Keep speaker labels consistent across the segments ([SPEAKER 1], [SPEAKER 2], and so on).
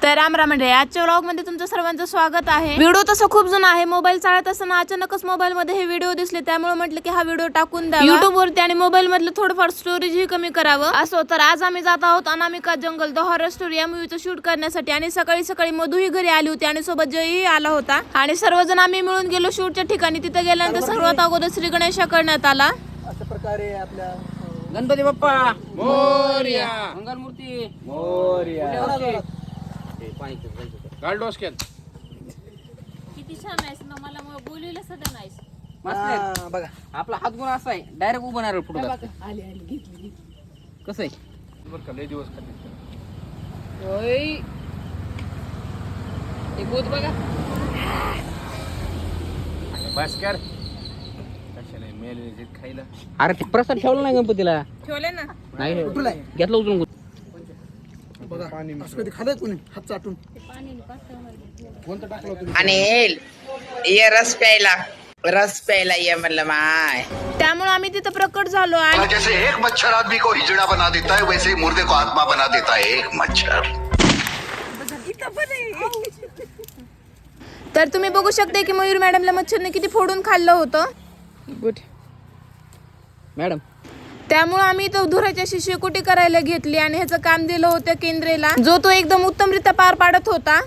[SPEAKER 1] तर राम मंडळी, आजच्या व्लॉग मध्ये तुमचं सर्वांचं स्वागत आहे। व्हिडिओ तसं खूप जुना आहे, मोबाईल चालत असताना अचानकच मोबाईल मध्ये हे व्हिडिओ दिसले, त्यामुळे म्हटलं की हा व्हिडिओ टाकून द्यावा YouTube वरती आणि मोबाईल मधलं थोडंफार स्टोरेज ही कमी करावं असो। तर आज आम्ही जात आहोत Anamika jungle the horror story या मूवीचं शूट करण्यासाठी आणि सकाळी मधू ही घरी आली होती आणि सोबत जयही आला होता आणि सर्वजण आम्ही मिळून गेलो शूटच्या ठिकाणी। तिथे गेल्यानंतर सर्वात अगोदर श्री गणेश करण्यात आला।
[SPEAKER 2] अशा प्रकारे आपल्या
[SPEAKER 3] गणपती बाप्पा मोरया, मंगलमूर्ती मोरया,
[SPEAKER 4] गालडोसक्यात
[SPEAKER 5] किती छान आहेस ना, मला बोललेलं सगळं नाहीस।
[SPEAKER 3] मस्त
[SPEAKER 2] बघा
[SPEAKER 3] आपला हात गुण असा आहे, डायरेक्ट उभं राहणार पुढे
[SPEAKER 5] आली घेतली
[SPEAKER 3] कसं आहे
[SPEAKER 4] बरं का, लय दिवस खाली
[SPEAKER 5] होय, हे भूत बघा
[SPEAKER 4] बस कर कशाला मेले खायला।
[SPEAKER 3] अरे ते प्रसाद ठेवला नाही गणपतीला,
[SPEAKER 1] ठेवले ना
[SPEAKER 3] नाही घेतलं उचलून
[SPEAKER 2] बघा असं कधी खाल्लंय कोणी हात चाटून
[SPEAKER 6] आणि ये रस प्यायला ये म्हणलं माय।
[SPEAKER 1] त्यामुळे आम्ही तिथे प्रकट झालो आणि
[SPEAKER 7] जैसे एक मच्छर आदमी को हिजड़ा बना देता है, वैसे ही मुर्दे को आत्मा बना देता है एक मच्छर।
[SPEAKER 1] तर तुम्ही बघू शकता की मयूर मॅडमला मच्छरने किती फोडून खाल्लं होतं।
[SPEAKER 3] Good madam.
[SPEAKER 1] त्यामुळे आम्ही तो धुराच्या शेकोटी करायला घेतली आणि ह्याचं काम दिलं होतं केंद्रेला, जो तो एकदम उत्तमरित्या पार पाडत होता।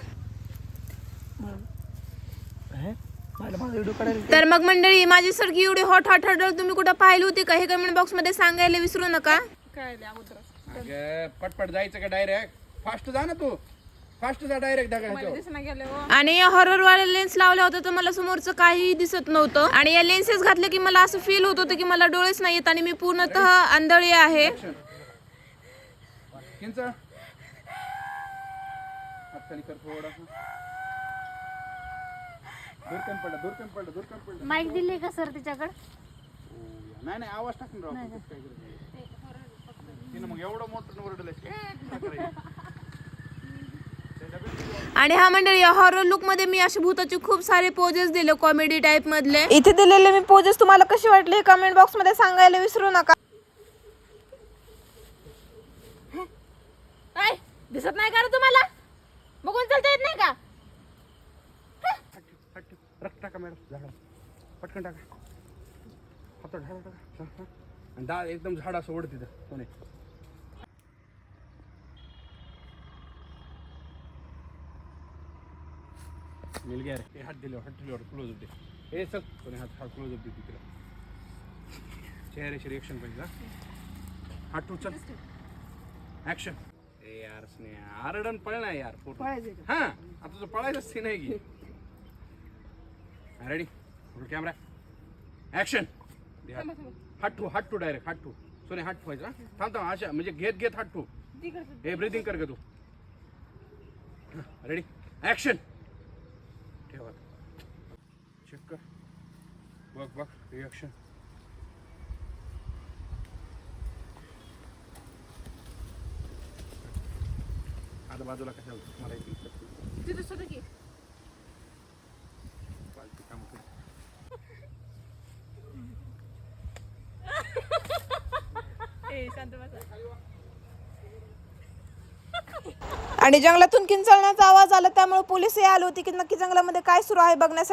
[SPEAKER 1] तर मग मंडळी, माझी सारखी एवढी हॉट तुम्ही कुठं पाहिली होती का हे कमेंट बॉक्स मध्ये सांगायला विसरू नका।
[SPEAKER 4] अगं पटपट जायचं का डायरेक्ट? फास्ट जा ना, तू फास्ट जा डायरेक्ट
[SPEAKER 1] आणि या हॉरर वाले लेन्स लावल्या होत्या तर मला समोरचं काहीही दिसत नव्हतं आणि या लेन्सेस घातले की मला असं फील होत होतं की मला डोळेच नाही येत आणि मी पूर्णतः आंधळी आहे।
[SPEAKER 4] किंच हात खाली कर थोडा, दूरकन पडलं
[SPEAKER 5] माईक दिले का सर तिच्याकडे?
[SPEAKER 4] नाही आवाज टाकून राहू काय तिनं मग एवढं मोठं ओरडलंय।
[SPEAKER 1] आणि हा मंडळी, हॉरर लुक मध्ये मी अशा भूताचे खूप सारे पोजेस दिले कॉमेडी टाइप मधले। इथे दिलेले मी पोजेस तुम्हाला कसे वाटले हे कमेंट बॉक्स मध्ये सांगायला विसरू नका।
[SPEAKER 5] काय दिसत नाही का रे तुम्हाला? बघून चालता येत नाही का?
[SPEAKER 4] रक्त टाका मॅडम, झाडा पटकन टाका, हात झाडा टाका आणि डाळ एकदम झाड असं ओढ तिथं कोणी। मिल गया रे, हे हात दिले क्लोज होते हे सग कोणी हात क्लोज होते तिला चेहऱ्याची रिएक्शन पाहिजे। हात टू चल ऍक्शन। ए यार स्नेहा आरडन पळना यार, फोटो हा आता तुझं पळायचं सीन आहे की रेडी कॅमेरा ऍक्शन। हात टू डायरेक्ट हात टू सोने हात ठेवायचा, थांब अशा म्हणजे घेत हात टू हे ब्रीदिंग कर ग तू। रेडी ऍक्शन ठेवा, चेक कर, बघ रिएक्शन। आता बाजूला कशाला मला
[SPEAKER 5] तिथे सुद्धा की
[SPEAKER 4] काम कर।
[SPEAKER 1] आणि जंगलातून किंचाळण्याचा आवाज आला, त्यामुळे पोलीसही आले होते की नक्की जंगलामध्ये काय सुरू आहे बघण्यासाठी।